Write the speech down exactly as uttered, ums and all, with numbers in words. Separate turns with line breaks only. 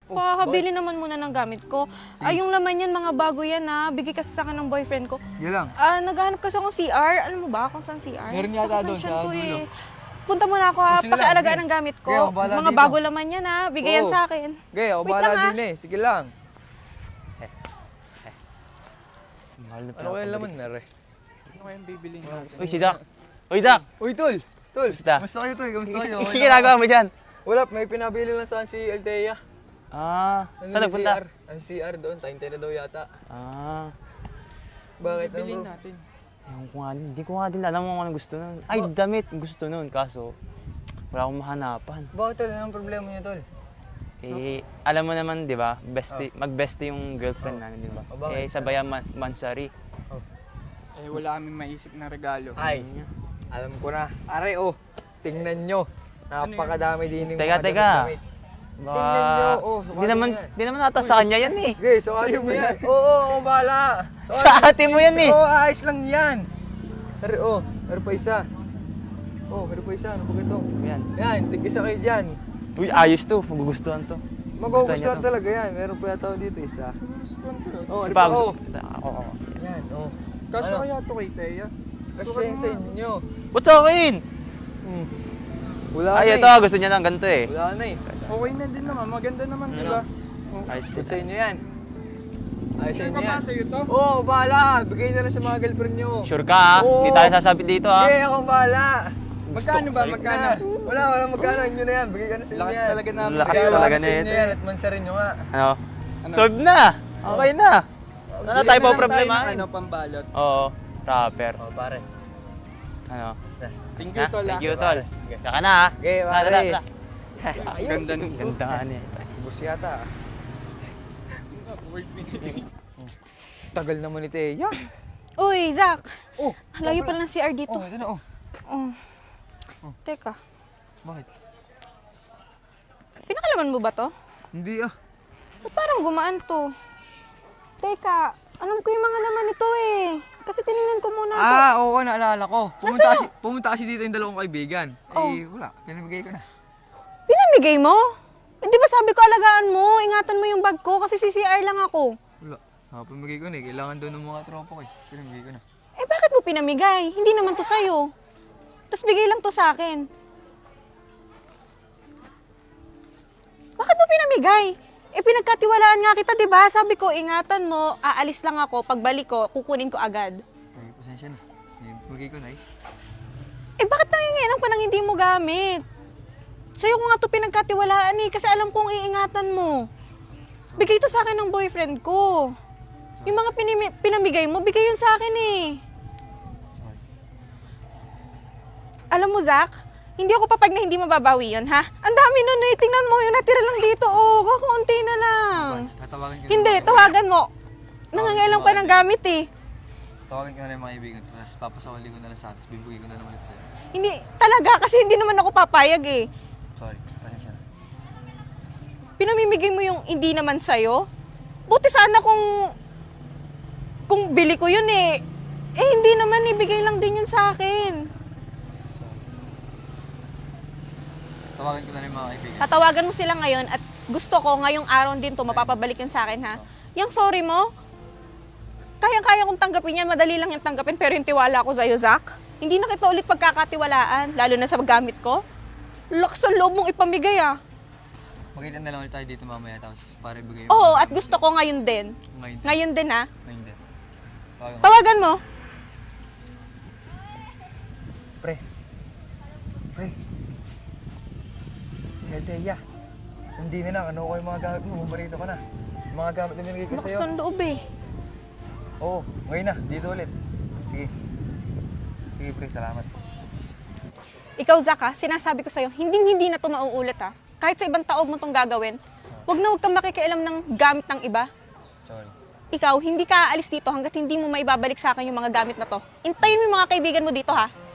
Pahabili naman muna ng gamit ko. Ay, yung laman yan, mga bago yan ha. Bigay kasi sa akin ng boyfriend ko.
Yan lang.
Ah, naghahanap kasi akong C R. Alam mo ba kung saan C R?
Meron yata
Sakit ng
doon
tiyan
sa
ko
dulo.
eh. Punta muna ako ha.
Sige lang,
Pakialagaan
sige.
ng gamit ko.
Sige, ako bahala
Mga
dito.
bago laman yan ha. Bigay yan
Oo.
sa akin.
Okay, ako
Wait
bahala
lang, ah.
din eh. Sige lang.
Mahal na
Ano kaya laman na re?
Ano kayang bibilin mo?
Uy, si Doc. Uy, Doc.
Uy, tol! Tol!
Kamusta?
Kamusta kayo, tol? Kamusta kayo?
Ano ginagawa mo dyan?
Wala, may pinabili lang saan si Althea.
Ah,
Ano
saan
yung
nagpunta?
C R? Ang C R doon, time ten na daw yata.
Ah,
Bakit
Bibilin
ano bro?
natin.
ewan ko nga, hindi ko nga din alam kung anong gusto nun. Ay, damit gusto nun, kaso wala akong mahanapan.
Bakit tol? Anong problema niya tol?
Eh, alam mo naman, di ba, bestie, mag-bestie yung girlfriend namin, di ba?
Oh, bakit?
Eh, sabayan man mansari.
Eh, wala kaming maisip na regalo.
Ay, alam ko na. Are, oh, tingnan nyo. Napakadami din yung
Teka,
mga
teka.
damit. Tingnan nyo, oh.
Hindi naman,
yan.
di naman ata sa kanya yan eh.
Okay, so ate mo yan. Oo, oo, ako bahala.
Sa ate mo yan eh.
Oo, ayos lang yan. Are, oh, meron pa isa. Oh, meron pa isa. Ano ba ito?
Yan.
Yan, tig-isa kayo dyan.
Uy, ayos to, magugustuhan to.
Magugustuhan talaga yan. Meron pa yata dito isa. Oh,
Si
ano pa?
Pag,
Oh,
ako, ako.
yan, oh.
Kasya
Ano?
kaya to kay Thea?
Kasi yan sa inyo.
What's akin?
Hmm. Wala
Ay,
na
ito,
eh.
gusto niya ng ganito eh.
Wala na eh.
Okay na din naman, maganda naman, di ba? Oh.
Ayos din.
Sa inyo yan. Ay, sa
Sure
inyo
ka ba
yan.
sa'yo to?
Oo, oh, bahala. Bigay na lang sa mga girlfriend nyo.
Sure ka ha?
Oo.
Hindi tayo sasabi dito ha?
Okay, akong bahala.
Magkano ba? Magkano?
Na. Wala, wala magkano. Inyo na yan. Bigay ka na sa inyo
Lakas
yan.
talaga namin.
Lakas
Bigay
talaga
ka sa
na
inyo
ito.
yan at mansarin nyo nga.
Ano?
Ano?
Solve na! Okay na! Ano
Sige
tayo
na
pa
lang
problema?
Tayo ng Ano, pambalot.
Oo, rapper.
Oh, pare.
Ano?
Basta.
Thank
Na?
you, tol.
Thank
ah.
you, tol. Tsaka na ha?
Okay,
Tara,
pare.
tara, tara.
Ganda nung
Ganda nga niya.
Bus yata. ah.
word pinili.
Tagal naman ni Teya.
Uy, Zach.
Oh,
Layo pala ng C R dito.
oh, ito na oh.
Oh. Teka,
Bakit?
pinakalaman mo ba to?
Hindi ah.
Ba't parang gumaan to? Teka, alam ko yung mga laman nito eh. Kasi tinignan ko muna to.
Ah, oo, naalala ko. Pumunta
Nasaan
kasi, pumunta kasi dito yung dalawang kaibigan.
Oh.
Eh, wala. Pinamigay ko na.
Pinamigay mo? Eh, di ba sabi ko alagaan mo, ingatan mo yung bag ko kasi C C R lang ako.
Wala. Ah, pinamigay ko na eh. Kailangan daw ng mga tropa ko eh. Pinamigay ko na.
Eh bakit mo pinamigay? Hindi naman to sa'yo. Tapos bigay lang to sa akin. Bakit mo pinamigay? Eh pinagkatiwalaan nga kita, di ba? Sabi ko, ingatan mo, aalis lang ako, pagbalik ko, kukunin ko agad.
Ay, pasensya na. Eh, pinamigay ko na eh.
Eh bakit nangingilang pa nang hindi mo gamit? Sa'yo ko nga to pinagkatiwalaan eh, kasi alam kong iingatan mo. Bigay to sa akin ng boyfriend ko. Yung mga pinimi- pinamigay mo, bigay yun sa akin eh.
Sorry.
Alam mo, Zach, hindi ako papag na hindi mababawi yun, ha? Ang dami nun eh, tingnan mo, yung natira lang dito, oh, kakaunti na lang.
Tatawagan ka na.
Hindi, tawagan mo. Nangangailang pa ng gamit eh.
Tawagan ka na rin yung mga kaibigan. Tapos papasawali ko na lang sa atin. Tapos bibigay ko na lang ulit sa'yo.
Hindi, talaga, kasi hindi naman ako papayag eh.
Sorry. Pasensya na.
Pinamimigay mo yung hindi naman sa'yo? Buti sana kung, kung bili ko yun eh. Eh, hindi naman, ibigay lang din yun sa akin.
Tawagan ko na rin yung mga kaibigan.
Tatawagan mo sila ngayon at gusto ko ngayong araw din to mapapabalik yun sa akin, ha? Yung sorry mo, kaya-kaya kong tanggapin yan, madali lang yung tanggapin, pero yung tiwala ko sa'yo, Zach, hindi na kita ulit pagkakatiwalaan, lalo na sa gamit ko. Lakas ang loob mong ipamigay, ah.
Magkita na lang ulit tayo dito mamaya. Tapos para ibigay
Oo, at gusto ko ngayon din.
Ngayon.
Ngayon din, ha?
Ngayon din. Tawagan mo.
Tawagan mo.
Pre. Pre. Teya. Hindi na lang. Ano ko yung mga gamit mo? Bumarito ka na. Yung mga gamit na binigay ko
Lakas
sa'yo.
ng loob, eh.
Oo. Ngayon na. Dito ulit. Sige. Sige, pre. Salamat.
Ikaw, Zach, ha? Sinasabi ko sa'yo, hindi-hindi na to mauulit, ha? Kahit sa ibang tao mo itong gagawin, wag na wag kang makikialam ng gamit ng iba.
Sorry.
Ikaw, hindi ka aalis dito hanggat hindi mo maibabalik sa akin yung mga gamit na to. Intayin mo yung mga kaibigan mo dito, ha?